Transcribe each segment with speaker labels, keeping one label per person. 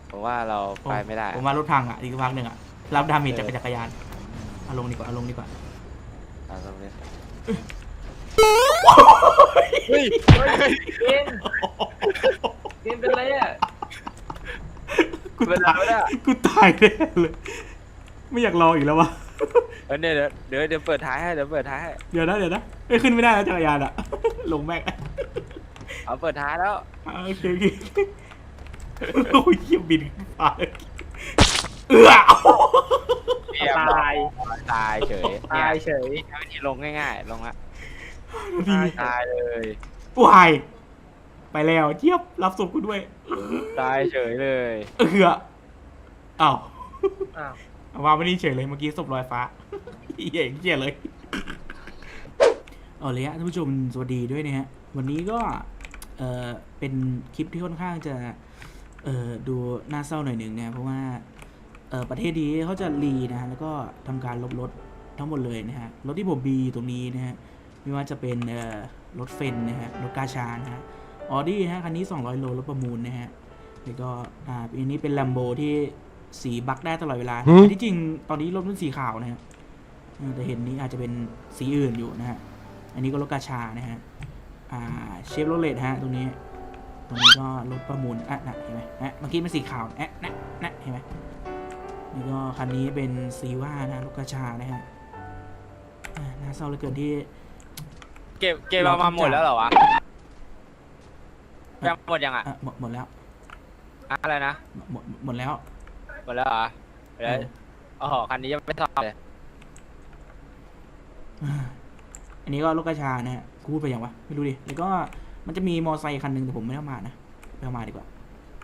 Speaker 1: ผมว่าเราไปไม่ได้
Speaker 2: ผมว่ารถพังอ่ะอีกพักหนึ่งอ่ะรับดาเมจจากจักรยานเอาลงดีกว่าเอาลงดีกว่า
Speaker 1: เอาตรงนี้
Speaker 3: เฮ้ยเกมเป็นไรอ่ะ
Speaker 2: กูตายกูตายแน่เลยไม่อยากรออีกแล้ววะ
Speaker 1: เดี๋ยวเปิดท้ายให้เดี๋ยวเปิดท้ายให้
Speaker 2: เดี๋ยวนะไม่ขึ้นไม่ได้แล้วจักรยานอ่ะ ลงแม็ก
Speaker 1: เอาเปิดท้ายแล้ว
Speaker 2: โอเคโอ้ยเยี่ยมบินฟ้าเลย
Speaker 1: เรียบร้อยตายเฉย
Speaker 3: ตายเฉย
Speaker 1: เนี่ยวิธีลงง่ายๆลงละ
Speaker 2: ดี
Speaker 1: ตายเลย
Speaker 2: วายไปแล้วเจี๊ยบรับศพกูด้วย
Speaker 1: ตายเฉยเลย
Speaker 2: อ้าว
Speaker 3: อ้าว
Speaker 2: ว่าไม่ได้เฉยเลยเมื่อกี้ศพลอยฟ้าเหี้ยเลยเอาเลยฮะท่านผู้ชมสวัสดีด้วยนะฮะวันนี้ก็เป็นคลิปที่ค่อนข้างจะดูน่าเศร้าหน่อยหนึ่งนะเพราะว่าประเทศนี้เขาจะรีนะฮะแล้วก็ทำการลบรถทั้งหมดเลยนะฮะรถที่ผมมีตรงนี้นะฮะไม่ว่าจะเป็นรถเฟนนะฮะรถกาชานะฮะออดี้ฮะคันนี้200 โลรถประมูลนะฮะแล้วก็อันนี้เป็น Lambo ที่สีบักได้ตลอดเวลาที่จริงตอนนี้รถมันสีขาวนะฮะแต่เห็นนี้อาจจะเป็นสีอื่นอยู่นะฮะอันนี้ก็รถกาชานะฮะเชฟโรเลตฮะตรงนี้ก็รถประมูลน่ะเห็นไหมเมื่อกี้เป็นสีขาวน่ะเห็นไหมนี่ก็คันนี้เป็นซีว่านะรถกาชานะฮะน่าเศร้าเหลือเกินที่
Speaker 1: เก็บมาหมดแล้วเหรอวะยังหมดยังอ่ะ
Speaker 2: หมดแล้ว
Speaker 1: อะไรนะ
Speaker 2: หมดแล้ว
Speaker 1: หมดแล้วเหรอเดี๋ยวอ๋อคันนี้ยังไม่ซ่อมเลย
Speaker 2: อันนี้ก็รถกระชานะฮะกูพูดไปอย่างวะไม่รู้ดิแล้วก็มันจะมีมอไซค์คันหนึ่งแต่ผมไม่ได้เอามานะไม่เอามาดีกว่า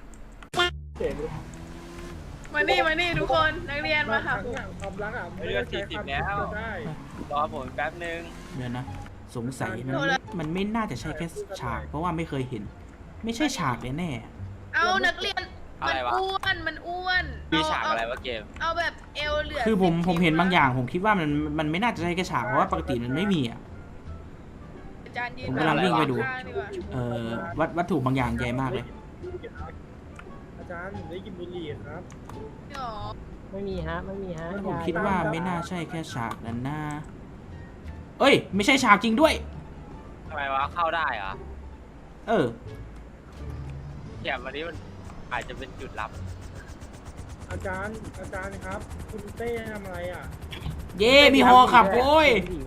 Speaker 4: มานี่ทุกคนนักเรียนมาค่ะครู
Speaker 3: ความรักอ่ะ
Speaker 1: เรือ40แล้วรอผมแป๊บนึง
Speaker 2: เดี๋ยวนะสงสัยมันไม่น่าจะใช่แค่ฉากเพราะว่าไม่เคยเห็น ไม่ใช่ฉากแน่
Speaker 4: เอานักเรียนมันอ้วน
Speaker 1: มีฉากอะไรวะเกม
Speaker 4: เอาแบบเอวเหลือ
Speaker 2: คือผมเห็นบางอย่างผมคิดว่ามันไม่น่าจะใช่แค่ฉากเพราะว่าปกติมันไม่มีอ่ะ
Speaker 4: อาจารย์ยืน
Speaker 2: ผมกำลังวิ่งไปดู
Speaker 4: ข้างๆดีกว่า
Speaker 2: วัตถุบางอย่างใหญ่มากเลย
Speaker 3: อาจารย์ได้กินบุหรี่ครับ
Speaker 4: หรอ
Speaker 3: ไม่มีฮะ
Speaker 2: ผมคิดว่าไม่น่าใช่แค่ฉากนั้นนะเอ้ยไม่ใช่ฉากจริงด้วย
Speaker 1: ทำไมวะเข้าได้เหรอ
Speaker 2: เออ
Speaker 1: แถมวันนี้มันอาจจะเป็นจุดลับ
Speaker 3: อาจารย์ครับ คุณเต้ทำอะไรอ่ะ
Speaker 2: เย่มีฮอขับโว้ย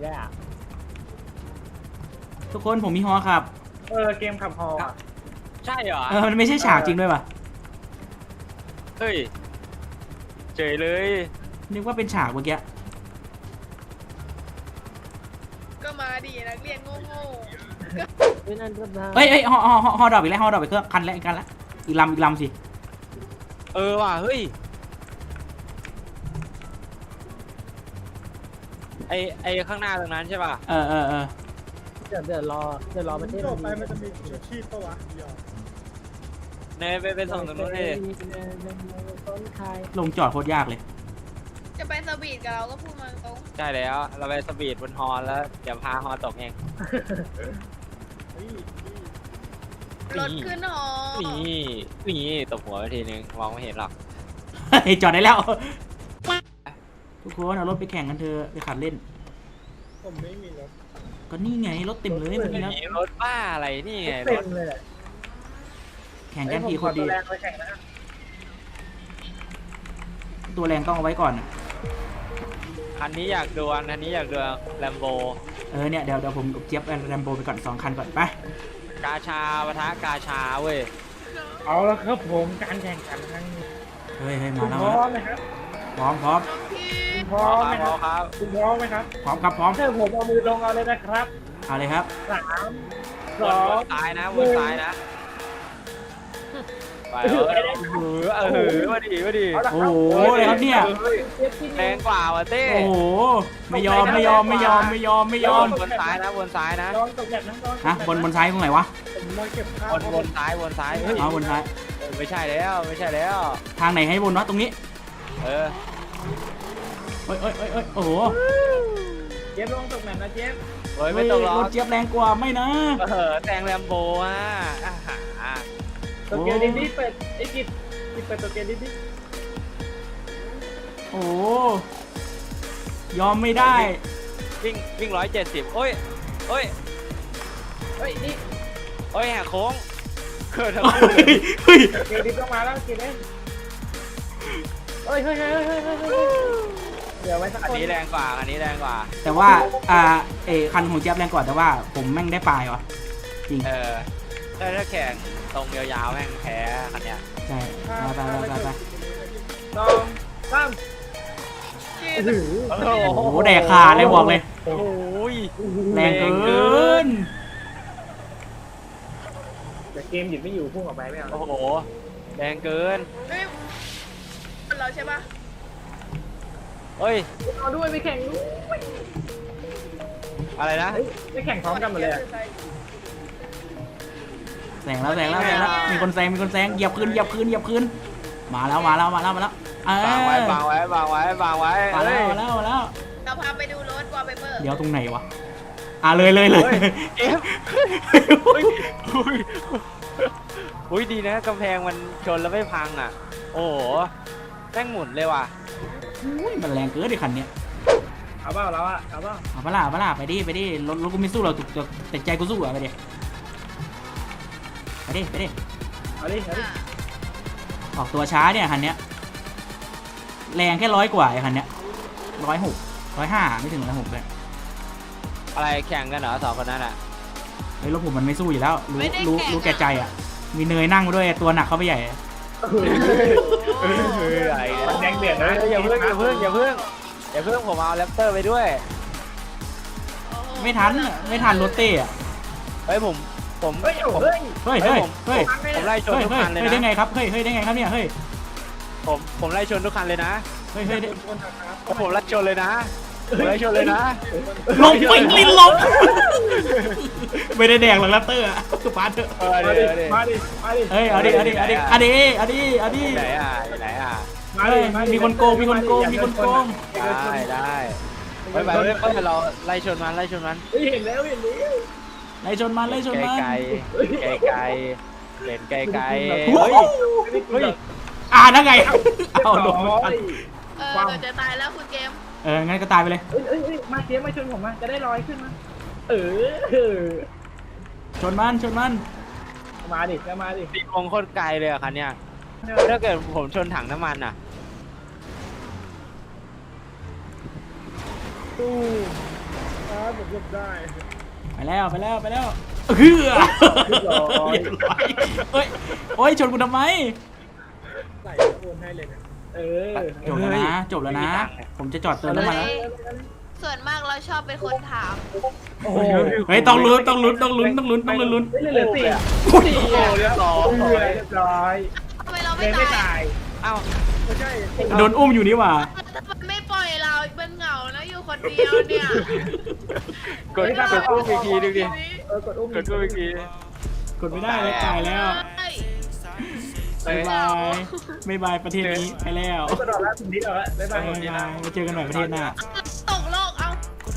Speaker 2: ทุกคนผมมีฮอขับ
Speaker 3: เกมขับฮอ
Speaker 1: ใช่เหรอ
Speaker 2: มันไม่ใช่ฉากจริงด้วยป่ะ
Speaker 1: เฮ้ยเฉยเลย
Speaker 2: นึกว่าเป็นฉากเมื่อกี้
Speaker 4: ก็มาดินักเรียนโง่
Speaker 2: เฮ้ยฮอดรอปอีกแล้วฮอดรอปอีกเครื่องคันแล้วอีกลำสิ
Speaker 1: ว่ะเฮ้ยไอข้างหน้าตรงนั้นใช่ป่ะ
Speaker 2: เออ
Speaker 3: เดี๋ยวรอประเทศไปมันจะมีชูชีพปะวะเดี๋ยว
Speaker 1: เนยไปส่งตรงนู้นเลย
Speaker 2: ลงจอดโคตรยากเลย
Speaker 4: ๆจะไปสวีทกับเราก็พูดมาตรง
Speaker 1: ใช่แล้วเราไปสปีดบนฮอแล้วเดี๋ยวพาฮอตกเอง
Speaker 4: รถขึ้นหอ
Speaker 1: นี่ตบหัวไปทีนึงมองไม่เห็นหรอก
Speaker 2: เฮ้ยจอดได้แล้ว ทุกคนเอารถไปแข่งกันเถอะไปขับเล่น
Speaker 3: ผมไม่มีรถ
Speaker 2: ก็นี่ไงรถเต็มเลยเมื่อกี้นะ
Speaker 1: รถบ้าอะไรนี่ไงร
Speaker 3: เต็
Speaker 1: ถ
Speaker 3: มเลย
Speaker 2: แข่งกันกี่คนดี
Speaker 3: แรงไปแข่งนะ
Speaker 2: ตัวแรงต้องเอาไว้ก่อนอะ
Speaker 1: คันนี้อยากดวลคันนี้อยากดวลแลมโบ
Speaker 2: เนี่ยเดี๋ยวผมเจี๊ยบแรมโบไปก่อน2 คันก่อนไป
Speaker 1: กาชาปะทะกาชาเว้ย
Speaker 3: เอาแล้วครับผมการแข่งขันครั้งนี้
Speaker 2: เฮ้ยมา
Speaker 3: คุณ
Speaker 2: แล้ว
Speaker 3: พร้อมไหมครับ
Speaker 2: พร้อม
Speaker 4: น้องพี่
Speaker 3: คุณพร้อมไหมครับ
Speaker 1: ครับ
Speaker 3: คุณพร้อมไหมครับ
Speaker 2: พร้อมครับพร้อม
Speaker 3: ถ้าผมเอามือลงเอาเลยนะครับ
Speaker 2: เอาเลยครับ
Speaker 3: 3
Speaker 1: วน
Speaker 3: 2
Speaker 1: ซ้ายนะวนซ้ายนะไปมาดิ
Speaker 2: โอ้โหอะไรครับเนี่ย
Speaker 1: แรงกว่าว่ะเต้
Speaker 2: โอ้โหไม่ยอม
Speaker 1: วนซ้ายนะวนซ้ายนะ
Speaker 3: ย้อนตกแบบนั้นย้อน
Speaker 2: ฮะบนซ้ายตรงไหนวะ
Speaker 3: ผมมาเก็บข้าว
Speaker 1: วนซ้ายเฮ้ย
Speaker 2: เอาบนซ้าย
Speaker 1: ไม่ใช่แล้ว
Speaker 2: ทางไหนให้บนวะตรงนี้
Speaker 1: เออ
Speaker 2: เอ้ยโอ้โห
Speaker 3: เจี๊ยบลงตกแบบนะเจี๊ยบ
Speaker 1: เฮ้ยไม่ต้องรอ
Speaker 2: รถเจี๊ยบแรงกว่าไม่นะ
Speaker 1: แซงแลมโบอ่ะ
Speaker 3: โตเกียวดินนี่เป็ดไอ้กิจกินเปิดตัวเกมดิ
Speaker 2: โอ้ยอมไม่ได้
Speaker 1: วิ่ง170โอ้ย
Speaker 3: เฮ้ยนี่
Speaker 1: โอ้ยแหกโค้งเกิดอะไร
Speaker 2: เฮ้ย
Speaker 3: เกมดิต้องมาแล้วเกมเล่นเฮ้ยเดี๋ยวไว้สัก
Speaker 1: อัน
Speaker 3: คน
Speaker 1: นี้แรงกว่าอันนี้แรงกว่า
Speaker 2: แต่ว่าคันของแจ๊บแรงกว่าแต่ว่าผมแม่งได้ปลายวะจริง
Speaker 1: ถ้าแข่งตรงยาวๆแม่งแพ้คันเนี้ย
Speaker 2: ใช่ไป
Speaker 3: สองสาม
Speaker 2: โอ้โหแดกขาดเลยบอกเลย
Speaker 1: โอ้ย
Speaker 2: แรงเกิน
Speaker 3: แต่เกมหยุดไม่อยู่พุ่งออกไปไม่เอา
Speaker 1: โอ้โหแรงเกิน
Speaker 4: เฮ้ยเราใช่ปะ
Speaker 1: เฮ้ย
Speaker 3: เอาด้วยไปแข่งด้วย
Speaker 1: อะไรนะ
Speaker 3: ไปแข่งพร้อมกันหมดเลย
Speaker 2: แซงแล้วมีคนแซงเหยียบคืนมาแล้วเอ
Speaker 1: วางไว้
Speaker 2: อ
Speaker 1: วางไว้วางไว้
Speaker 2: มาแล้ว
Speaker 4: เราพาไปดูรถวอลเปเปอร์
Speaker 2: เดี๋ยวตรงไหนวะเลย
Speaker 1: เอฟอุ้ยดีนะกำแพงมันชนแล้วไม่พังอ่ะโอ้โหแม่งหมุนเลยว่ะ
Speaker 2: อุ้ยมันแรงเกินดิคันเนี้ย
Speaker 3: เอาเปล่าเราอะเอาเปล่า
Speaker 2: เอาปะล่ะไปดิรถกูไม่สู้เราแต่ใจกูสู้อะไปดิ
Speaker 3: เอาดิ
Speaker 2: ออกตัวช้าเนี่ยคันเนี้ยแรงแค่100 กว่าไอ้คันเนี้ย105ไม่ถึง106เลย
Speaker 1: อะไรแข่งกันเหรอสองคนนั้นอ่ะ
Speaker 2: เฮ้ยรถผมมันไม่สู้อยู่แล้วรู้แก่ใจอ่ะมีเนยนั่งมาด้วยตัวหนักเข้าไปใหญ่
Speaker 1: อะไร
Speaker 3: แดงเดือดนะ
Speaker 1: อย่าเพิ่งผมเอาแรปเตอร์ไปด้วย
Speaker 2: ไม่ทันรถเต้อะ
Speaker 1: เฮ้ยผม
Speaker 3: เฮ้ย
Speaker 2: เฮ้ย
Speaker 1: ผมไล่ชนทุกคันเลย
Speaker 2: ได้
Speaker 1: นะ
Speaker 2: ไงครับเฮ้ยได้ไงครับเนี่ยเฮ้ย
Speaker 1: ผมไล่ชนทุกคันเลยนะ
Speaker 2: เฮ้ย
Speaker 1: ผมไล่ชนเลยนะผมไล่ชนเลยนะ
Speaker 2: ลงไปลิ้นลงไม่ได้แดงหรอกแรปเตอร์อะคือปาเถอะ
Speaker 3: มาดิ
Speaker 2: เฮ้ยเอาดิ
Speaker 1: ไหนอ่ะ
Speaker 2: มีคนโกง
Speaker 1: ได้ไปเราไล่ชนมัน
Speaker 3: เห็นแล้ว
Speaker 2: ไล่ชนมัน
Speaker 1: ไกลเห็นไกล
Speaker 2: นั่นไงเอาลง
Speaker 4: เราจะตายแล้วคุณเกม
Speaker 2: งั้นก็ตายไปเลย
Speaker 3: มาเสียมาชนผมมาจะได้ลอยขึ้นมา
Speaker 2: ชนมัน
Speaker 3: มาดิ
Speaker 1: ตีวงโคตรไกลเลยอ่ะคันเนี้ยถ้าเกิดผมชนถังน้ำมันอ่ะ
Speaker 3: ตู้ผมหลบได้
Speaker 2: ไปแล้วเฮ้ยโอ้ยชนกูทำไม
Speaker 3: ใส่โอนให้เลยนะ
Speaker 2: จบแล้วนะผมจะจอดเติมน้ำมันแล้ว
Speaker 4: ส่วนมากเราชอบเป็นคนถาม
Speaker 2: เฮ้ยต้องลุ้น
Speaker 3: เหลือ4
Speaker 1: เรียบร้อย
Speaker 4: ทำไมเรา
Speaker 3: ไม่
Speaker 4: ไม่
Speaker 3: ตา
Speaker 4: ตาย ย
Speaker 1: อ้าว
Speaker 3: ไม่ใช่
Speaker 2: โดนอุ้มอยู่นี่หว่า
Speaker 4: มันไม่ปล่อยเราเป็นเหงาแล้วอยู่คนเดียวเนี่ย
Speaker 1: กดอุ้มอีกทีดูดิ
Speaker 3: กดอุ้ม
Speaker 1: กดอุ้มอีกที
Speaker 2: กดไม่ได้เลยตายแล้วบ๊ายบายประเทศนี้ไปแล้ว
Speaker 3: กดออกแล้วถึงนิดออกแล้วบ๊ายบาย
Speaker 2: มาเจอกันใหม่ประเทศหน้า
Speaker 4: ตกโลกเอา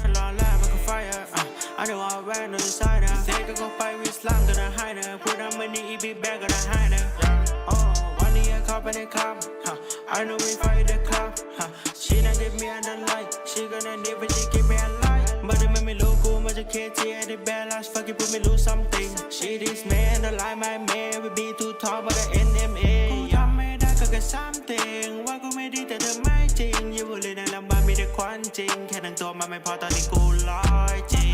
Speaker 5: I know I ran on the side now. They can go fight with slang, gonna hide her. Put that money, it be back, gonna hide her. Oh, one day I cop and they come. I know we fight the club. She not give me a light. She gonna need but she give me a light. But it made me look cool, much a kid, at the bad last fucking put me lose something. She this man, the lie my man, we be too tall, but the NMA. Get something ว่ากูไม่ดีแต่เธอไม่จริงอยู่เลยในลำบากมีแต่ควันจริงแค่ทั้งตัวมันไม่พอตอนนี้กูร้อยจริง